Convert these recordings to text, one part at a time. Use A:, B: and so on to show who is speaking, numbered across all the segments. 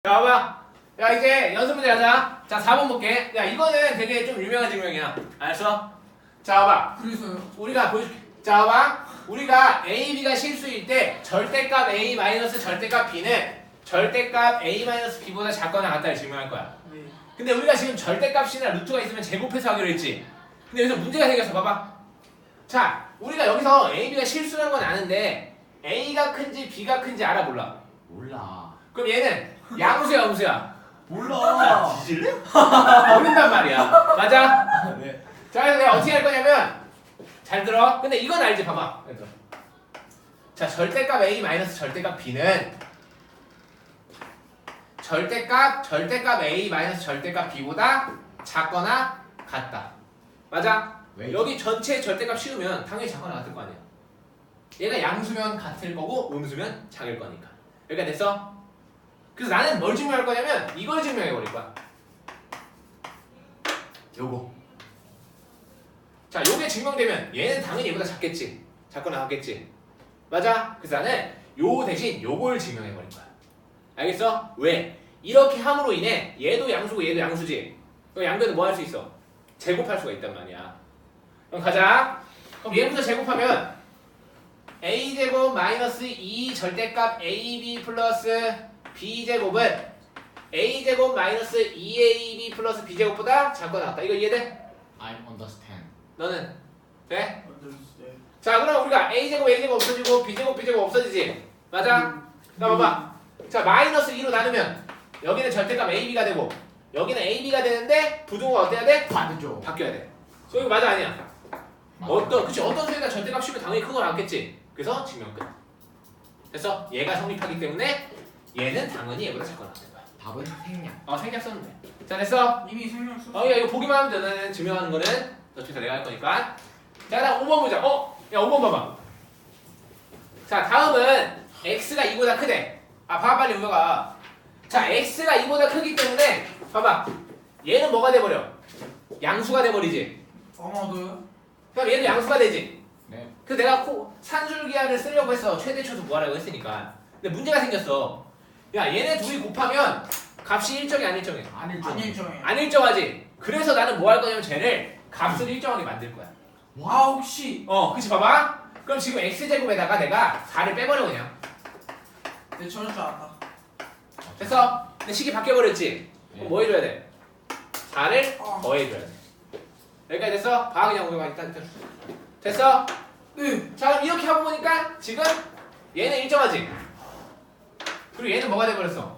A: 자, 봐봐. 야, 이제 연습 문제 하자. 자, 4번 볼게. 야, 이거는 되게 좀 유명한 증명이야. 알았어? 자, 봐봐.
B: 그래서요?
A: 우리가 보여줄게. 자, 봐봐. 우리가 A, B가 실수일 때 절대값 A 마이너스 절대값 B는 절대값 A 마이너스 B보다 작거나 같다를 증명할 거야.
B: 네.
A: 근데 우리가 지금 절대값이나 루트가 있으면 제곱해서 하기로 했지. 근데 여기서 문제가 생겼어. 봐봐. 자, 우리가 여기서 A, B가 실수라는 건 아는데 A가 큰지 B가 큰지 알아 몰라?
C: 몰라.
A: 그럼 얘는 양수야, 음수야?
C: 몰라.
A: 뒤질래? 모른단 말이야. 맞아?
C: 네.
A: 자, 그래서 내가 어떻게 할 거냐면 잘 들어. 근데 이건 알지? 봐봐. 얘들아. 자, 절대값 A 마이너스 절대값 B는 절대값 A 마이너스 절대값 B보다 작거나 같다. 맞아?
C: 왜?
A: 여기 전체 절대값 씌우면 당연히 작거나 같을 거 아니야. 얘가 양수면 같을 거고 음수면 작을 거니까. 여기까지 됐어? 그래서 나는 뭘 증명할 거냐면 이걸 증명해 버릴 거야. 요거. 자, 요게 증명되면 얘는 당연히 얘보다 작겠지. 작거나 같겠지. 맞아? 그래서 나는 요 대신 요걸 증명해 버릴 거야. 알겠어? 왜? 이렇게 함으로 인해 얘도 양수고 얘도 양수지. 그럼 양변은 뭐 할 수 있어? 제곱할 수가 있단 말이야. 그럼 가자. 그럼 얘부터 제곱하면 a제곱 마이너스 2 절대값 ab 플러스 b제곱은 a제곱 마이너스 2ab 플러스 b제곱보다 작거나 같다. 이거 이해돼?
C: I understand.
A: 너는? 돼?
B: 네.
A: 자, 그럼 우리가 a제곱 a제곱 없어지고 b제곱 없어지지? 맞아? 나 봐봐. 자, 마이너스 2로 나누면 여기는 절대값 ab가 되고 여기는 ab가 되는데 부등호가 어때야 돼?
C: 반대죠.
A: 바뀌어야 돼. 이거 맞아 아니야? 어떤 수에다 절대값 씌우면 당연히 큰 거 나왔겠지. 그래서 증명 끝. 됐어? 얘가 성립하기 때문에 얘는 당연히 얘보다 작거나 같은 거야.
C: 답은 생략.
A: 생략 썼는데. 자, 됐어?
B: 이미 설명 썼어.
A: 야, 이거 보기만 하면 되는 증명하는 거는 어차피 다 내가 할 거니까. 자, 다음 5번 보자. 야, 5번 봐봐. 자, 다음은 x가 2보다 크대. 봐봐 빨리 우여가. 자, x가 2보다 크기 때문에 봐봐. 얘는 뭐가 돼버려? 양수가 돼버리지.
B: 아마도요?
A: 그럼 얘도 양수가 되지.
C: 네.
A: 그래서 내가 산술기하를 쓰려고 했어. 최대 초수 구하라고 했으니까. 근데 문제가 생겼어. 야, 얘네 둘이 곱하면 값이 일정해 안 일정해?
C: 안 일정.
B: 안 일정해요.
A: 안 일정하지. 그래서 나는 뭐 할 거냐면 쟤를 값을 일정하게 만들 거야.
B: 아 혹시
A: 그치 봐봐. 그럼 지금 x제곱에다가 내가 4를 빼버려 그냥.
B: 내 저럴 줄 알았다.
A: 됐어? 근데 식이 바뀌어버렸지? 그럼 뭐 해줘야 돼? 4를
B: 어.
A: 더해줘야 돼. 여기까지 됐어? 봐 그냥 우리가 일단 됐어?
B: 네.
A: 자, 그럼 이렇게 하고 보니까 지금 얘는 일정하지? 그리고 얘는 뭐가 돼버렸어?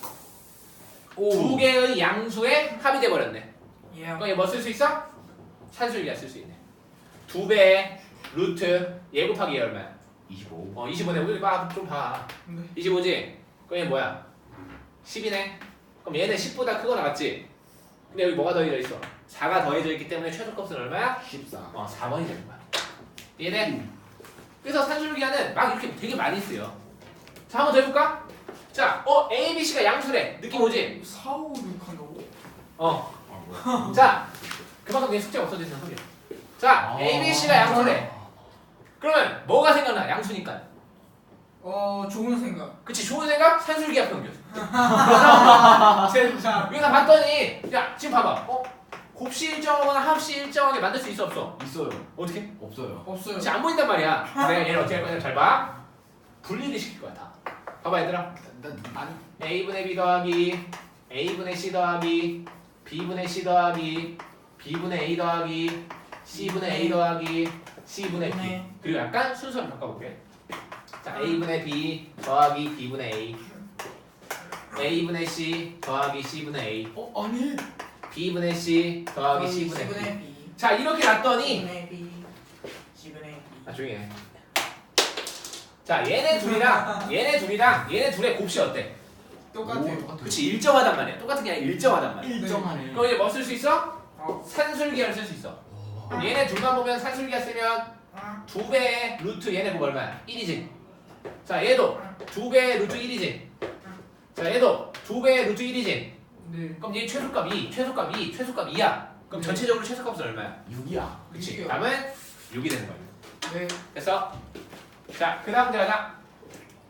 A: 두 개의 양수의 합이 돼버렸네.
B: 예.
A: 그럼 얘 뭐 쓸 수 있어? 산술기가 쓸 수 있네. 2배의 루트 얘 곱하기 얘 얼마야?
C: 25.
A: 25네. 우리 좀 봐.
B: 네.
A: 25지? 그럼 얘 뭐야? 10이네. 그럼 얘는 10보다 크거나 같지? 근데 여기 뭐가 더해져 있어? 4가 더해져 있기 때문에 최소값은 얼마야?
C: 14.
A: 4번이 되는 거야. 이해돼? 그래서 산술기하는 막 이렇게 되게 많이 쓰여. 자, 한번 더 해볼까? 자, A, B, C가 양수래. 느낌 오지?
B: 4, 5, 6 한다고?
A: 어.
C: 아 뭐야?
A: 자, 그만큼 내 숙제가 없어진다는 소리야. 자, A, B, C가 양수래. 그러면 뭐가 생각나? 양수니까.
B: 좋은 생각.
A: 그치, 좋은 생각? 산술기하 평균. 그래서 여기서 봤더니, 야, 지금 봐봐. 곱씨 일정하거나 합씨 일정하게 만들 수 있어 없어?
C: 있어요.
A: 어떻게?
C: 없어요.
B: 없어요.
A: 그치, 안 보인단 말이야. 내가 얘를 어떻게 할 거냐? 잘 봐. 분리를 시킬 거야, 다. 봐봐, 얘들아.
C: 난
A: A분의 B 더하기 A분의 C 더하기 B분의 C 더하기 B분의 A 더하기 C분의 A 더하기 C분의 B.
B: 네.
A: 그리고 약간 순서를 바꿔볼게. 자, A분의 B 더하기 B분의 A A분의 C 더하기 C분의 A
C: 아니.
A: B분의 C 더하기 C분의 B.
B: B.
A: 자, 이렇게 놨더니
B: C분의 B. C분의 B.
A: 조용히 해. 자, 얘네 둘의 곱씨 어때?
B: 똑같아요.
A: 그치, 일정하단 말이야. 똑같은 게 아니라 일정하단 말이야.
C: 일정하네.
A: 그럼 이제 뭐 쓸 수 있어?
B: 어.
A: 산술기하를 쓸 수 있어. 그럼 얘네 둘만 보면 산술기하 쓰면 2배의 루트 얘네 곱 얼마야? 1이지. 자, 얘도 2배의 루트 1이지. 자, 얘도 2배의 루트 1이지.
B: 네.
A: 그럼 얘 최소값 2야. 그럼 전체적으로 최소값은 얼마야?
C: 6이야.
A: 그치.
B: 6이요.
A: 답은 6이 되는 거야.
B: 네.
A: 됐어? 자, 그 다음 문제 가자.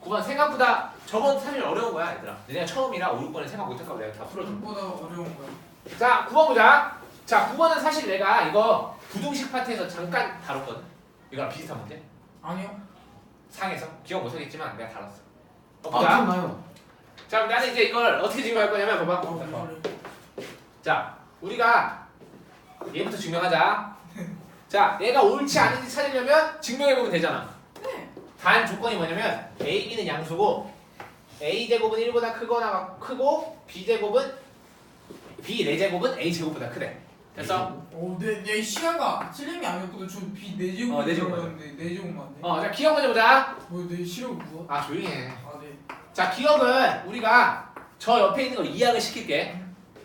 A: 9번 생각보다 저번 사실 어려운 거야 얘들아. 내가 처음이라 5, 6번에 생각 못할까 봐 내가 다 풀어줘.
B: 생각보다 어려운 거야.
A: 자 9번 보자. 자 9번은 사실 내가 이거 부등식 파트에서 잠깐 다뤘거든. 이거랑 비슷한 문제.
B: 아니요.
A: 상에서 기억 못하겠지만 내가 다뤘어.
C: 아
A: 보자.
C: 기억나요.
A: 자 그럼 나는 이제 이걸 어떻게 증명할 거냐면 봐봐. 자 우리가 얘부터 증명하자. 자 얘가 옳지 않은지 찾으려면 증명해보면 되잖아. 단 조건이 뭐냐면 a, b는 양수고 a 제곱은 1보다 크거나 크고 b 제곱은 b 4제곱은 a 제곱보다 크대. 됐어?
B: 내 시야가 틀림이 아니었거든. 저 B 4제곱
A: 어, 4제곱
B: 들어갔는데 4제곱 맞네.
A: 자 기억 먼저 보자.
B: 내 시력 뭐야?
A: 아 조용히 해.
B: 아 네.
A: 자 기억은 우리가 저 옆에 있는 걸 이해하게 시킬게.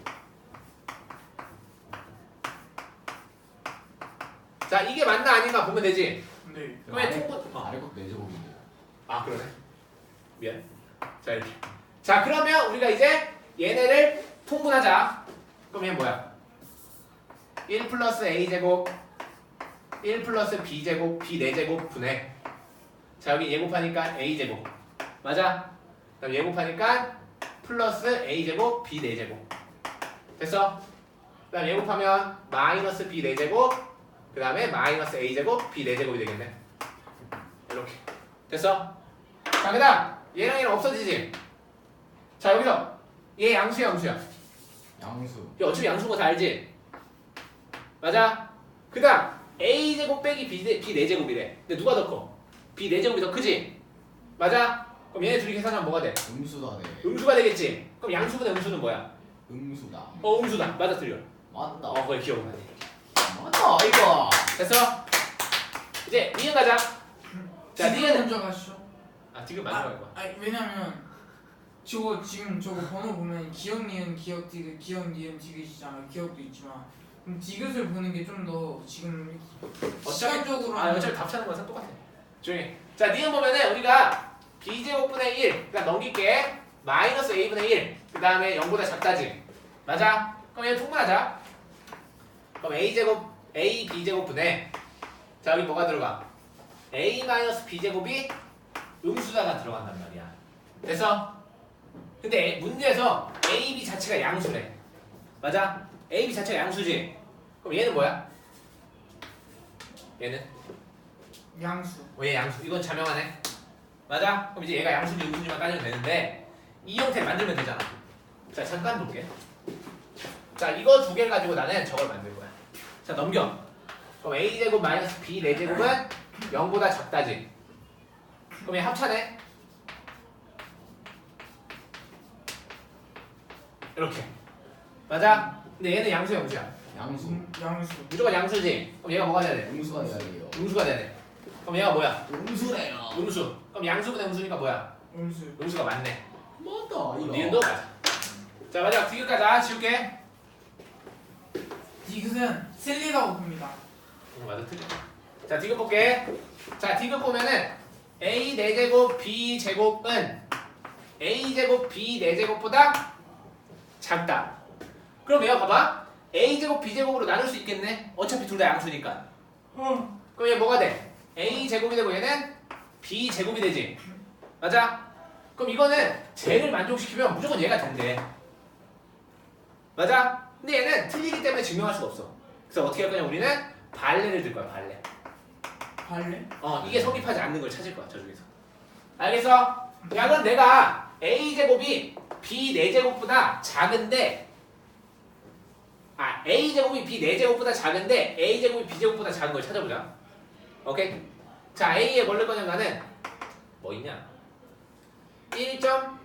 A: 자 이게 맞나 아닌가 보면 되지.
B: 네.
A: 그러면 통분
C: 아래 것 4제곱인데요.
A: 아 그러네. 미안. 자 이렇게. 자 그러면 우리가 이제 얘네를 통분하자. 그럼 얘는 뭐야? 1 플러스 a 제곱 1 플러스 b 제곱 b 4제곱 분의 자 여기 얘 곱하니까 a 제곱 맞아? 그럼 얘 곱하니까 플러스 a 제곱 b 4제곱 됐어? 그 다음 얘 곱하면 마이너스 b 4제곱 그 다음에 마이너스 a 제곱 b 4제곱이 되겠네. 이렇게 됐어? 자 그 다음 얘랑 얘는 없어지지? 자 여기서 얘 양수야 음수야?
C: 양수.
A: 얘 어차피 양수인 거 다 알지? 맞아? 그 다음 a제곱 빼기 b 4제곱이래. 근데 누가 더 커? b 4제곱이 더 크지? 맞아? 그럼 얘네 둘이 계산하면 뭐가 돼?
C: 음수다 네.
A: 음수가 되겠지? 그럼 양수분의 음수는 뭐야?
C: 음수다.
A: 음수다. 맞아 틀려.
C: 맞다.
A: 그걸 기억나네.
C: 맞다 이거.
A: 됐어? 이제 니은 가자. 자
B: 지금
A: 니은
B: 먼저 가시죠.
A: 지금 마지막 이거.
B: 왜냐면 저거 지금 저거 번호 보면 기억 니은 기억 디귿 기억 니은 디귿이잖아. 기억도 있지만 그럼 디귿을 보는 게 좀 더 지금 시간적으로
A: 어차피 답 찾는 거랑 똑같아. 조용히. 자 니은 보면은 우리가 b제곱분의 1 그러니까 넘길게 마이너스 a분의 1 그 다음에 0보다 작다지. 맞아? 그럼 얘 통분하자. 그럼 a제곱 a b제곱분의 자 여기 뭐가 들어가? a 마이너스 b제곱이 음수다가 들어간단 말이야. 됐어? 근데 문제에서 a, b 자체가 양수래. 맞아? a, b 자체가 양수지? 그럼 얘는 뭐야? 얘는?
B: 양수.
A: 얘 양수. 이건 자명하네. 맞아? 그럼 이제 얘가 양수인지 음수인지만 따지면 되는데 이 형태를 만들면 되잖아. 자 잠깐 볼게. 자 이거 두 개를 가지고 나는 저걸 만들 거야. 자 넘겨. 그럼 a제곱 마이너스 b 4제곱은 0보다 작다지. 그럼 얘 합차네. 이렇게. 맞아? 근데 얘는 양수야 음수야?
C: 양수.
B: 양수.
A: 무조건 양수지? 그럼 얘가 뭐가 돼야 돼?
C: 음수가 돼야 돼요.
A: 음수가 돼야 돼. 그럼 얘가 뭐야?
C: 음수래요.
A: 음수. 그럼 양수분의 음수니까 뭐야?
B: 음수.
A: 음수가 맞네.
C: 맞다 이거.
A: 니은도 맞아. 자 마지막 디귿 가자. 지울게.
B: 디귿은 틀리다고 봅니다.
A: 맞아 틀려. 자 디귿 볼게. 자 디귿 보면은 a 4제곱 b 제곱은 a 제곱 b 4제곱보다 작다. 그럼 얘가 봐봐. a 제곱 b 제곱으로 나눌 수 있겠네. 어차피 둘 다 양수니까. 그럼 얘 뭐가 돼? a 제곱이 되고 얘는 b 제곱이 되지. 맞아? 그럼 이거는 쟤를 만족시키면 무조건 얘가 된대. 맞아? 근데 얘는 틀리기 때문에 증명할 수가 없어. 그래서 어떻게 할 거냐 우리는 발레를 들 거야 발레.
B: 발레?
A: 이게 성립하지 않는 걸 찾을 거야 저쪽에서. 알겠어? 야 그럼 내가 a 제곱이 b 4제곱보다 작은데 a 제곱이 b 4제곱보다 작은데 a 제곱이 b 제곱보다 작은 걸 찾아보자. 오케이? 자 a에 뭘 넣을 거냐면 나는 뭐 있냐? 1.1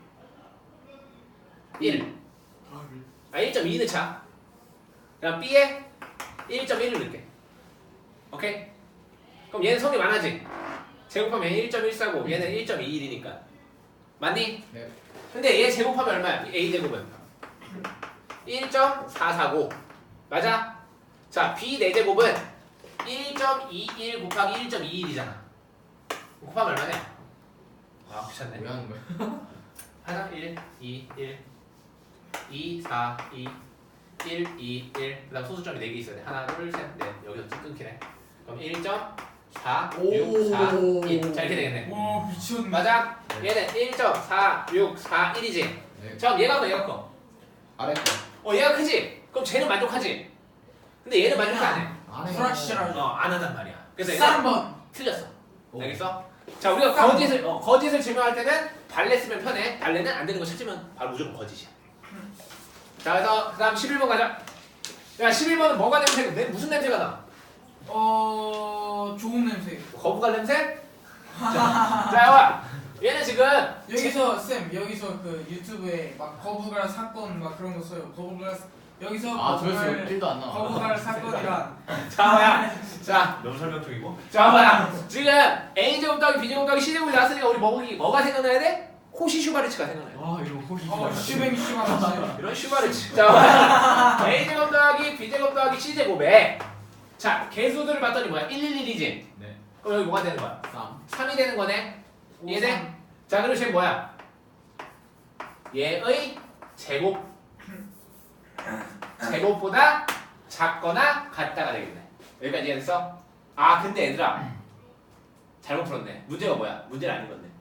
A: 1.2 넣자. 그럼 b에 1.1을 넣을게. 오케이? 그럼 얘는 성립 안 하지? 제곱하면 1.14고 얘는 1.21이니까 맞니?
C: 네.
A: 근데 얘 제곱하면 얼마야? a 제곱은 1.449 맞아? 자 b 4제곱은 1.21 곱하기 1.21이잖아. 곱하면 얼마냐? 귀찮네.
C: 왜 하는 거야?
A: 하나 1, 2, 1 2, 4, 2 1, 2, 1 그 다음 소수점이 4개 있어야 돼. 하나, 둘, 셋, 넷 여기서 끊기네. 그럼 1.449 4, 6, 4, 1. 자, 이렇게 되겠네.
B: 와 미쳤네.
A: 맞아? 얘는 1.4641이지.
C: 네.
A: 자, 그럼 얘가 커, 얘가 커.
C: 아래 거.
A: 얘가 크지? 그럼 쟤는 만족하지? 근데 얘는 만족 안 해.
C: 안에
B: 불확실하죠.
A: 안 한단 말이야. 그래서 얘는
B: 3번.
A: 틀렸어.
C: 오.
A: 알겠어? 자, 우리가 거짓을 증명할 때는 발레 쓰면 편해. 발레는 안 되는 거 찾으면 바로 무조건 거짓이야. 자, 그래서 그다음 11번 가자. 야, 11번은 뭐가 무슨 냄새가 나?
B: 좋은 냄새.
A: 거북알 냄새? 자, 와. 얘는 지금
B: 여기서 여기서 그 유튜브에 막 거북알 사건 막 그런 거 써요. 거북알 여기서
C: 아 조회수 1도 안 나와.
B: 거북알 사건이란
A: 자, 너무 설명 중이고. 자, 지금 A제곱 더하기 B제곱 더하기 C제곱이 나왔으니까 우리 뭐가 생각나야 돼? 코시 슈바르츠가 생각나요.
C: 와 이거 호기.
B: 슈뱅 슈가
A: 이런 슈바르츠. 자, A제곱 더하기 B제곱 더하기 C제곱에 자, 개수들을 봤더니 뭐야? 111이지?
C: 네.
A: 그럼 여기 뭐가 되는 거야?
C: 3.
A: 3이 되는 거네. 이해돼? 자, 그리고 쟤 뭐야? 얘의 제곱보다 작거나 같다가 되겠네. 여기까지 이해됐어? 아, 근데 얘들아 잘못 풀었네. 문제가 뭐야? 문제를 안 읽었네.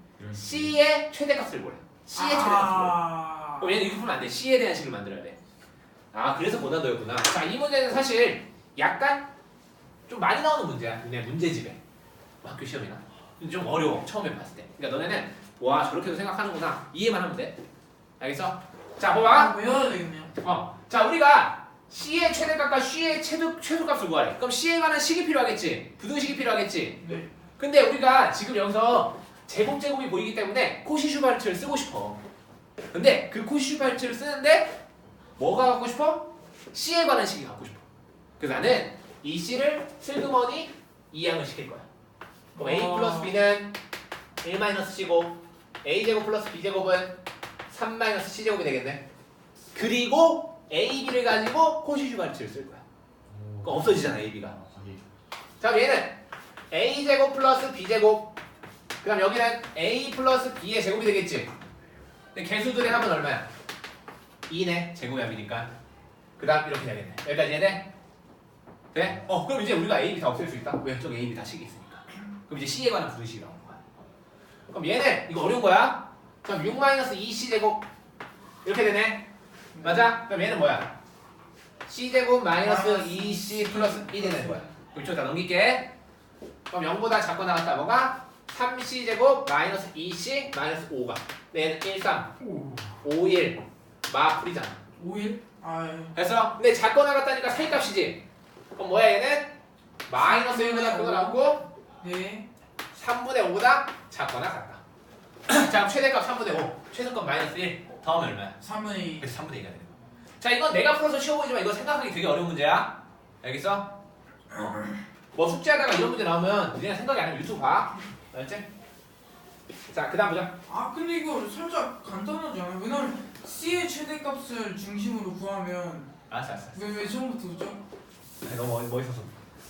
A: C의 최대값을 보래. C의 최대값을 보래. 그럼 얘는 이렇게 풀면 안 돼. C에 대한 식을 만들어야 돼. 아, 그래서 고난도였구나. 자, 이 문제는 사실 약간 좀 많이 나오는 문제야. 그냥 문제집에. 뭐 학교 시험이나. 근데 좀 어려워. 처음에 봤을 때. 그러니까 너네는 와, 저렇게도 생각하는구나. 이해만 하면 돼. 알겠어? 자, 봐봐.
B: 외워야 되겠네요.
A: 자, 우리가 C의 최대값과 C의 최소값을 구하래. 그럼 C에 관한 식이 필요하겠지. 부등식이 필요하겠지.
B: 네.
A: 근데 우리가 지금 여기서 제곱이 보이기 때문에 코시슈바르츠를 쓰고 싶어. 근데 그 코시슈바르츠를 쓰는데 뭐가 갖고 싶어? C에 관한 식이 갖고 싶어. 그래서 나는 이 C를 슬그머니 이항을 시킬 거야. 그럼 A 플러스 B는 1 마이너스 C고 A제곱 플러스 B제곱은 3 마이너스 C제곱이 되겠네. 그리고 A, B를 가지고 코시슈바르츠를 쓸 거야. 그럼 없어지잖아, A, B가. 자, 그럼 얘는 A제곱 플러스 B제곱, 그 다음 여기는 A 플러스 B의 제곱이 되겠지. 근데 개수들의 합은 얼마야? 2네. 제곱이 합이니까. 그 다음 이렇게 되겠네. 여기까지 이해돼? 돼? 그럼 이제 우리가 A, B 다 없앨 수 있다? 왜? 저기 A, B 다 식이 있으니까. 그럼 이제 C에 관한 부등식이 나오는 거야. 그럼 얘는 이거 어려운 거야. 그럼 6-2C 제곱 이렇게 되네. 맞아? 그럼 얘는 뭐야? C제곱 마이너스 2C 플러스 1이 되는 거야. 그럼 이쪽 다 넘길게. 그럼 0보다 작거나 같다. 뭐가? 3C제곱 마이너스 2C 마이너스 5가. 얘는 1, 3, 5, 1 마풀이잖아.
B: 5일? 아 예.
A: 됐어? 근데 작거나 같다니까 사이값이지. 그럼 뭐야 얘는? 마이너스 1보다 크거나 같고
B: 네.
A: 3분의 5보다 작거나 같다. 자, 그럼 최대값 3분의 5, 최소값 마이너스 1 더하면 얼마야?
B: 3분의 2.
A: 그래서 3분의 2가 되는 거야. 자, 이건 내가 풀어서 쉬워 보이지만 이거 생각하기 되게 어려운 문제야. 알겠어? 뭐 숙제하다가 이런 문제 나오면 그냥 생각이 안 하면 유튜브 봐. 알았지? 자, 그 다음 보자.
B: 아 근데 이거 살짝 간단하지 않아요? 왜냐면 C의 최대값을 중심으로 구하면
A: 알았어.
B: 왜 처음부터 그죠?
A: 너무 멋있어서.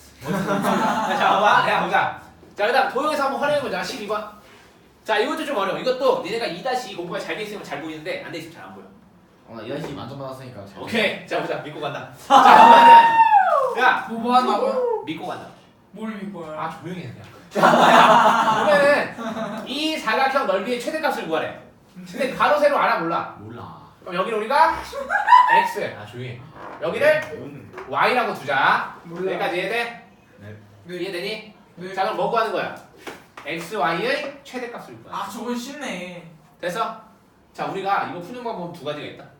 A: 자, 봐봐. 내가 보자. 자, 그 다음 도형에서 한번 활용해보자. 12번. 자, 이것도 좀 어려워. 이것도 니네가 2-2 공부가 잘 돼 있으면 잘 보이는데 안 돼 있으면 잘 안 보여.
C: 나 이한씨 만점받았으니까.
A: 오케이. 자, 보자. 믿고 간다. 자, 그러면은 야,
B: 뭐 한다고요?
A: 믿고 간다.
B: 뭘 믿고요?
A: 아, 조용히 해 그냥. 자, 보면은 이 사각형 넓이의 최대값을 구하래. 근데 가로 세로 알아 몰라.
C: 몰라.
A: 그럼 여기를 우리가 x. 아, 조용히 해. 여기를 y라고 두자.
B: 몰라.
A: 여기까지 이해돼?
B: 네.
A: 이해되니?
B: 네.
A: 자, 그럼 뭐 구하는 거야? x, y의 최대값을 구하는 거야.
B: 아 저건 쉽네.
A: 됐어? 자, 우리가 이거 푸는 방법은 두 가지가 있다.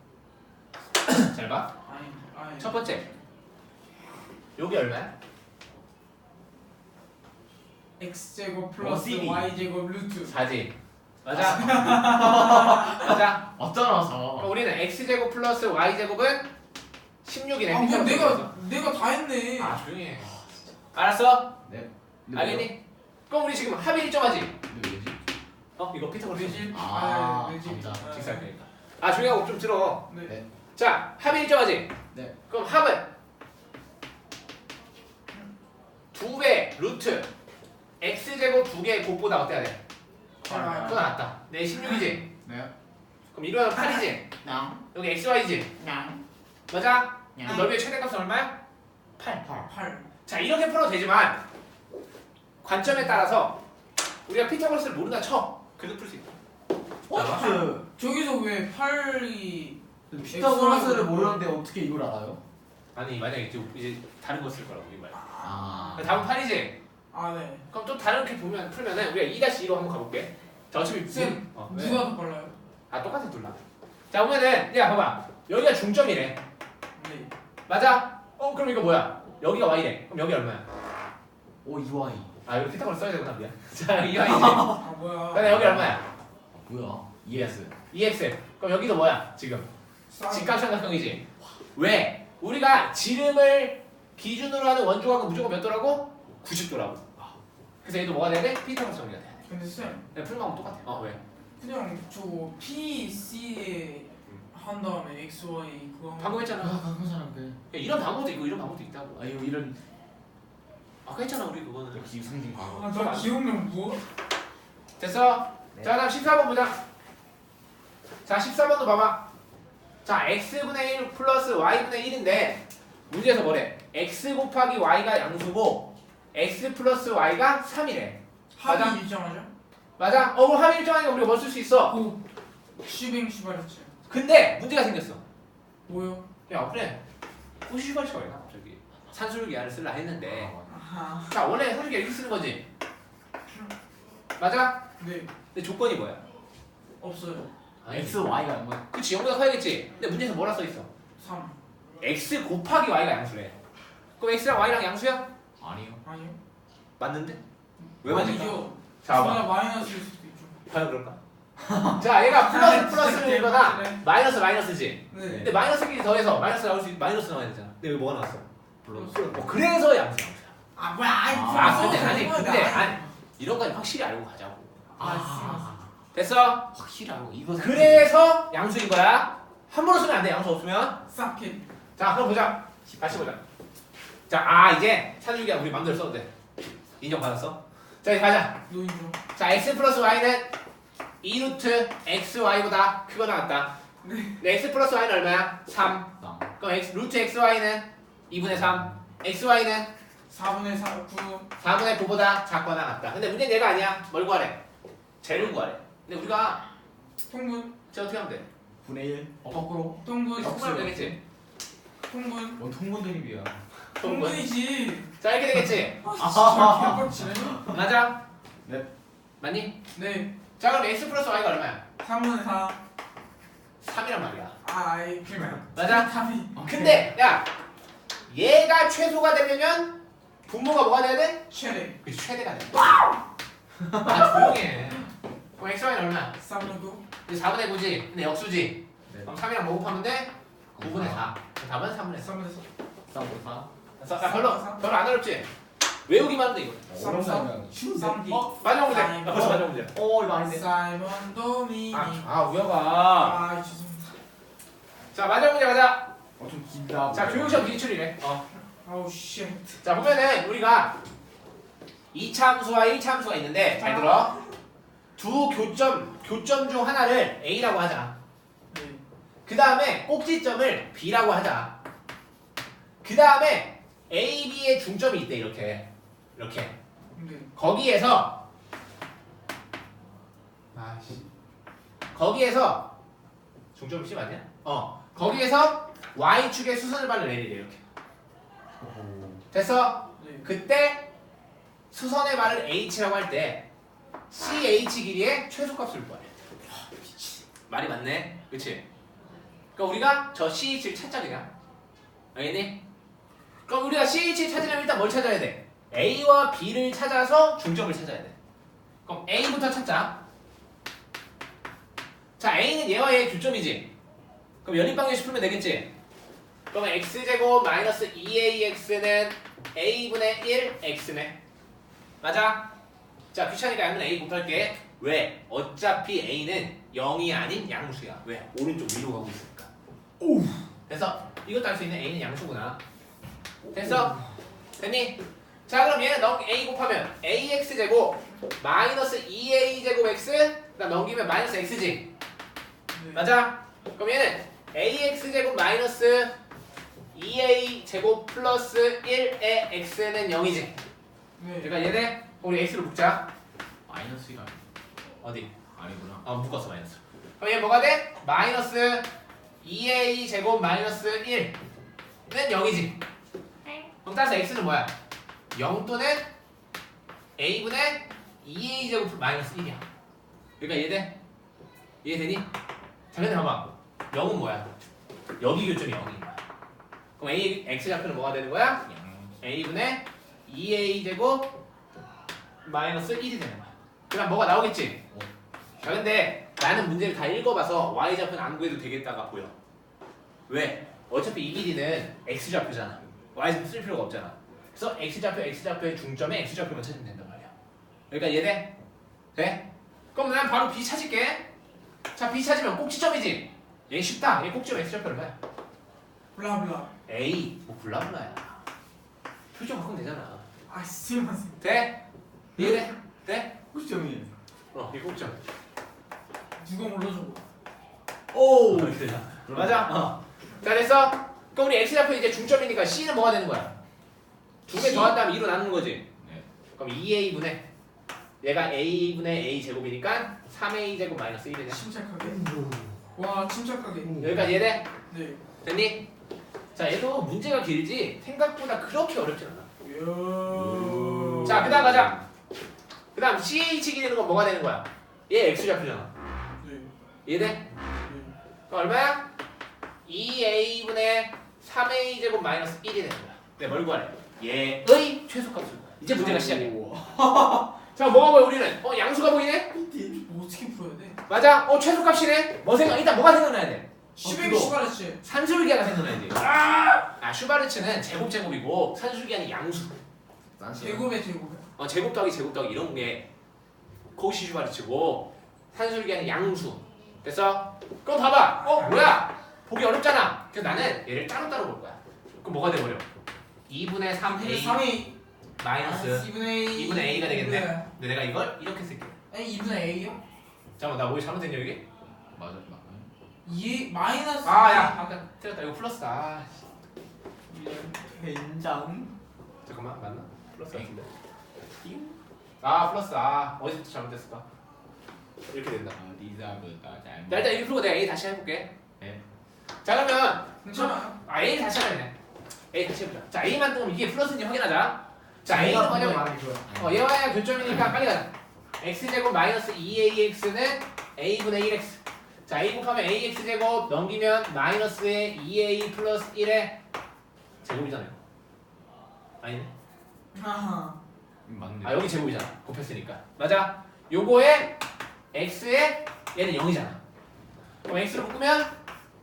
A: 잘 봐.
B: 아니.
A: 첫 번째. 여기 얼마야?
B: x제곱 플러스
C: 어디니?
B: y제곱 루트.
A: 4지. 맞아? 맞아?
C: 어쩌라서.
A: 그럼 우리는 x제곱 플러스 y제곱은 16이네.
B: 아 뭐 내가 다 했네.
A: 아, 조용히 해. 알았어?
C: 네.
A: 알겠니? 그럼 우리 지금 합이 일정하지?
C: 근데 왜지?
A: 이거 피타고라스
B: 내집.
C: 아,
B: 내집.
C: 감사.
A: 직사니까. 아, 조용히 하고 좀 들어.
B: 네.
C: 네.
A: 자, 합이 일정하지?
C: 네.
A: 그럼 합은 2배 루트 x제곱 2개의 곱보다 어때야 돼?
B: 아,
A: 또 나왔다. 네, 16이지?
C: 네.
A: 그럼 이거는 8이지?
C: 냥.
A: 여기 xy지?
C: 냥.
A: 맞아?
C: 냥.
A: 넓이의 최대값은 얼마야? 8.
B: 8.
A: 자, 이렇게 풀어도 되지만 관점에 따라서 우리가 피타고라스를 모른다 쳐. 그래도 풀 수 있다.
B: 저기서 왜 8이
C: 피타고라스를 모르는데 어떻게 이걸 알아요?
A: 아니 만약에 이제 다른 거 쓸 거라고 이 말.
C: 아.
A: 다음 8이지.
B: 아 네.
A: 그럼 또 다른 게 풀면은 우리가 2-2로 한번 가볼게. 자 어차피
B: 쌤,
A: 왜?
B: 누가 더 빨라요?
A: 아 똑같은 둘라. 자 보면은 야 봐봐 여기가 중점이래.
B: 네.
A: 맞아? 그럼 이거 뭐야? 여기가 y래. 그럼 여기 얼마야?
C: 오 이와이.
A: 아 여기 피타고라스 써야 되구나 미안. 자 여기 y지.
B: 아 뭐야?
A: 그다음에 여기 얼마야?
C: 뭐야? ES.
A: 2x. 그럼 여기도 뭐야? 지금
B: 사인.
A: 직각삼각형이지. 왜? 우리가 지름을 기준으로 하는 원주각은 무조건 몇 도라고? 90도라고. 그래서 얘도 뭐가 돼야 돼? 피타고라스 정리가 돼야 돼.
B: 근데 쌤,
A: 그냥 풀는 방법 똑같아. 왜?
B: 그냥 저거 P, C에 한 다음에 X, Y 그거.
A: 방금 했잖아.
C: 방금 사람 그.
A: 야, 이런 방법도 있고 이런 방법도 있다고.
C: 아 이거 이런
A: 아까 했잖아 우리 그거는.
C: 역시 상징 과거.
B: 아, 저 기억력 뭐?
A: 됐어?
C: 네.
A: 자 다음 14번 보자. 자 14번도 봐봐. 자 x분의 1 플러스 y분의 1인데 문제에서 뭐래? x 곱하기 y가 양수고 x 플러스 y가 3이래. 맞아?
B: 합이 일정하죠?
A: 맞아? 그럼 합이 일정하니까 우리가 뭐 쓸 수 있어?
B: 오, 슈뱅 슈바르츠.
A: 근데 문제가 생겼어.
B: 뭐요?
A: 야 그래 호시발치가 왜 나? 갑자기 산술기하를 쓸라 했는데
B: 아하.
A: 자 원래 산술기 이렇게 쓰는 거지. 맞아?
B: 네,
A: 근데 조건이 뭐야?
B: 없어요.
C: X Y가 뭐?
A: 그치 0보다 커야겠지. 근데 문제에서 뭐라 써있어?
B: 3.
A: x 곱하기 y가 양수래. 그럼 x랑 y랑 양수야?
C: 아니요.
B: 아니요.
A: 맞는데? 왜 맞을까?
B: 아니죠.
A: 자
B: 둘다
A: 봐봐.
B: 마이너스일 수도 있죠.
A: 과연 그럴까? 자 얘가 플러스 플러스를 읽거나
B: 그래.
A: 마이너스 마이너스지.
B: 네.
A: 근데 마이너스끼리 더해서 마이너스 나올 수 마이너스 나와야 되잖아. 근데 여기 뭐가 나왔어?
C: 플러스.
A: 그래서 양수야.
B: 아 뭐야? 아이,
A: 아 근데
B: 플러스.
A: 아니 근데
B: 아이.
A: 아니 이런 건 확실히 알고 가자고.
C: 아.
A: 됐어?
C: 확실히 알고 이거.
A: 그래서 양수인 거야. 함부로 쓰면 안 돼. 양수 없으면.
B: 싹해.
A: 자 그럼 보자. 다시 보자. 자 이제 산술기야 우리 맘대로 써도 돼. 인정받았어? 자 이제 가자.
B: 노인정.
A: 자 x 플러스 y는 2루트 xy보다 크거 나왔다. 네. x 플러스 y는 얼마야? 3.
C: 땅.
A: 그럼 루트 xy는 2분의 3. xy는
B: 4분의 4, 9.
A: 4분의 9보다 작거나 같다. 근데 문제는 얘가 아니야. 뭘 구하래? 재를 구하래. 근데 우리가
B: 통분.
A: 쟤 어떻게 하면 돼?
C: 분의 1. 거꾸로.
B: 통분.
A: 통분하면 되겠지?
B: 통분.
C: 뭔 통분 드립이야.
B: 통분이지.
A: 자 이렇게 되겠지?
B: 아, 개빡치네.
A: 맞아?
C: 네.
A: 맞니?
B: 네.
A: 자 그럼 x 플러스 y가 얼마야?
B: 3분의 4.
A: 3이란 말이야.
B: 아이,
A: 맞아?
B: 답이.
A: 근데 야 얘가 최소가 되려면 분모가 뭐가 돼야 돼?
B: 최대.
A: 그치 최대가 돼. 아 조용해. 그럼 x, y는 얼마야?
B: 3분의 9.
A: 이제 4분의 9지. 근데 역수지.
C: 네.
A: 그럼 3이랑 뭐 곱하면 돼? 9분의 4. 답은 3분의 4.
B: 3분의
C: 4.
A: 야, 별로 안 어렵지? 외우기만 하면 돼 이거.
C: 어려운 거 아니야. 쉬운데.
B: 3D.
A: 마지막 문제.
B: 아이고.
A: 벌써 마지막 문제.
C: 이거 아닌데.
B: 사이먼 도미니.
A: 우여가.
B: 아, 죄송합니다.
A: 자 마지막 문제 가자.
C: 좀 긴다.
A: 자 교육시험 기출이래.
B: 아우 쉣.
A: 자 보면은 우리가 2차함수와 1차함수가 있는데 잘 들어. 두 교점 중 하나를 A라고 하자.
B: 네.
A: 그 다음에 꼭지점을 B라고 하자. 그 다음에 A, B의 중점이 있대 이렇게.
B: 네.
A: 거기에서 중점 C 맞냐? 거기에서 Y축의 수선을 받는 L이래 이렇게. 됐어?
B: 네.
A: 그때 수선의 말을 H라고 할 때 CH 길이의 최소값을 구하래. 말이 맞네. 그치? 그럼 우리가 저 CH를 찾자 그냥. 알겠니? 그럼 우리가 CH를 찾으려면 일단 뭘 찾아야 돼? A와 B를 찾아서 중점을 찾아야 돼. 그럼 A부터 찾자. 자 A는 얘와 얘의 교점이지. 그럼 연립방정식 풀면 되겠지? 그러면 x제곱 마이너스 2ax는 a분의 1x네. 맞아? 자 귀찮으니까 양면 a 곱할게. 왜? 어차피 a는 0이 아닌 양수야. 왜? 오른쪽 위로 가고 있으니까. 오. 됐어? 이것도 알 수 있는 a는 양수구나. 됐어? 됐니? 자 그럼 얘는 a 곱하면 ax제곱 마이너스 2a제곱 x 그다음 넘기면 마이너스 x지.
B: 네.
A: 맞아? 그럼 얘는 ax제곱 마이너스 2a 제곱 플러스 1의 x는 0이지.
B: 네.
A: 그러니까 얘네 우리 x로 묶자.
C: 마이너스 1 아니야?
A: 어디?
C: 아니구나.
A: 묶었어 마이너스. 그럼 얘 뭐가 돼? 마이너스 2a 제곱 마이너스 1는 0이지. 그럼 따라서 x는 뭐야? 0 또는 a분의 2a 제곱 마이너스 1이야. 그러니까 이해돼? 이해되니? 자 근데 봐봐. 0은 뭐야? 여기 교점이 0인 거야. 그럼 a x 좌표는 뭐가 되는 거야? a분의 2a 제곱 마이너스 1이 되는 거야. 그럼 뭐가 나오겠지? 자 근데 나는 문제를 다 읽어봐서 y 좌표는 안 구해도 되겠다가 보여. 왜? 어차피 이 길이는 x 좌표잖아. y 좌표 쓸 필요가 없잖아. 그래서 x 좌표의 중점에 x 좌표만 찾으면 된단 말이야. 그러니까 이해돼? 돼? 그럼 난 바로 b 찾을게. 자 b 찾으면 꼭지점이지. 얘 쉽다. 얘 꼭지점 x 좌표를 봐.
B: 블라블라.
A: a 뭐 블라블라야. 표정 바꾸면 되잖아.
B: 아 스마생.
A: 돼? 이해돼? 돼?
C: 꼭지점이.
A: 이 꼭지점.
B: 누가 몰라줘.
A: 오 이렇게 되잖아. 맞아. 자 됐어. 그럼 우리 x 좌표 이제 중점이니까 c는 뭐가 되는 거야? 두 개 더한 다음에 2로 나누는 거지.
C: 네.
A: 그럼 2a분의 얘가 a분의 a 제곱이니까 3a 제곱 마이너스 1이네.
B: 침착하게. 와 침착하게.
A: 여기까지 이해돼?
B: 네.
A: 됐니? 자 얘도 문제가 길지 생각보다 그렇게 어렵진 않아.
B: 이야.
A: 자 그다음 가자. 그다음 ch 길이는 건 뭐가 되는 거야? 얘 x 좌표잖아.
B: 네.
A: 이해돼?
B: 네.
A: 그럼 얼마야? 2a분의 3a 제곱 마이너스 1이 되는 거야. 네, 뭘 구하래? 얘의 최소값을 구해. 이제 문제가 시작이야. 자, 뭐가 보여 우리는? 양수가 보이네?
B: 뭐 어떻게 풀어야 돼?
A: 맞아. 최소값이네. 일단 뭐가 생각나야 돼?
B: 슈베르 슈바르츠.
A: 산술기하가 생각나야지. 슈바르츠는 제곱이고 산술기하는 양수.
B: 제곱의 제곱.
A: 제곱 더하기 이런 게 코시 슈바르츠고 산술기하는 양수. 됐어? 그럼 봐봐. 뭐야? 보기 어렵잖아. 그래서 나는 얘를 따로따로 볼 거야. 그럼 뭐가 돼버려? 2분의 3a
B: 3A
A: 마이너스
B: 2분의
A: 2분의 a가 되겠네. 근데 내가 이걸 이렇게 쓸게.
B: 아니 2분의 A요?
A: 잠깐만 나 뭐 잘못됐냐 여기?
C: 맞아.
B: 2 마이너스.
A: 야 아까 틀렸다. 이거 플러스다.
C: 된장.
A: 잠깐만 맞나? 플러스 같은데. 플러스. 어디서 잘못됐을까? 이렇게 된다.
C: 리자브가 잘.
A: 나 일단 이렇게 풀고 내가 a 다시 해볼게.
C: 네.
A: 자 그러면
B: 괜찮아요.
A: a 다시 하면 a 다시 해보자. 자 a만 뜨면 이게 플러스인지 확인하자. 자 a는 뭐냐면 얘와 얘가 교점이니까 빨리 가자. x제곱 마이너스 2ax는 a분의 1x. 자 a 곱하면 ax제곱 넘기면 마이너스의 2a 플러스 1의 제곱이잖아요. 아니네.
B: 아하.
C: 맞네.
A: 여기 제곱이잖아. 곱했으니까. 맞아. 요거에 x에 얘는 0이잖아. 그럼 x로 묶으면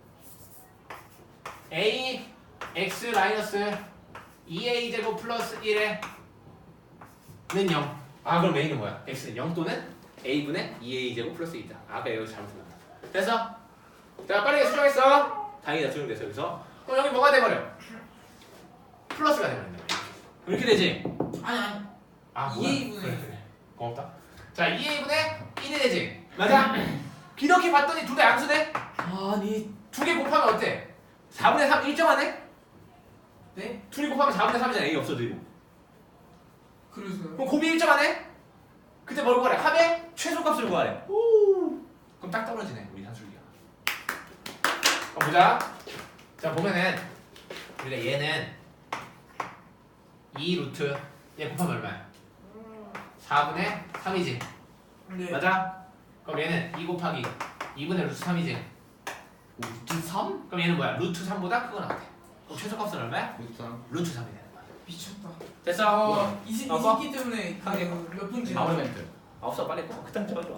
A: a x 마이너스 2a 제곱 플러스 1의 는 0. 그럼 a는 뭐야? x는 0 또는 a분의 2a 제곱 플러스 2다. 아까 여기서 잘못했다. 됐어? 자 빠르게 수정했어. 다행이다. 수정됐어 여기서. 그럼 여기 뭐가 돼버려? 플러스가 돼버린다. 이렇게 되지?
B: 아니.
A: 뭐야?
B: 2A 분의
A: 그래. 고맙다. 자 2a분의 1이 되지? 맞아? 이렇게 봤더니 둘 다 양수네?
C: 아니.
A: 두 개 곱하면 어때? 4분의 3 일정하네?
B: 네?
A: 둘이 곱하면 4분의 3이잖아. a 없어지고.
B: 그래서요.
A: 그럼 곱이 일정하네? 그때 뭘 구하래? 합의 최소값을 구하래. 그럼 딱 떨어지네 우리 산술기가. 보자. 자 보면은 우리가 얘는 2 루트 얘 곱하면 얼마야? 4분의 3이지.
B: 네.
A: 맞아? 그럼 얘는 2 곱하기 2분의 루트 3이지.
C: 루트 3?
A: 그럼 얘는 뭐야? 루트 3보다 크거나 같아. 그럼 최소값은 얼마야?
C: 루트 3.
A: 루트 3이 되는 거야.
B: 미쳤다.
A: 됐어?
B: 이 새끼 때문에 몇 분지.
C: 아우멘트.
A: 없어 빨리 꺼. 그딴 거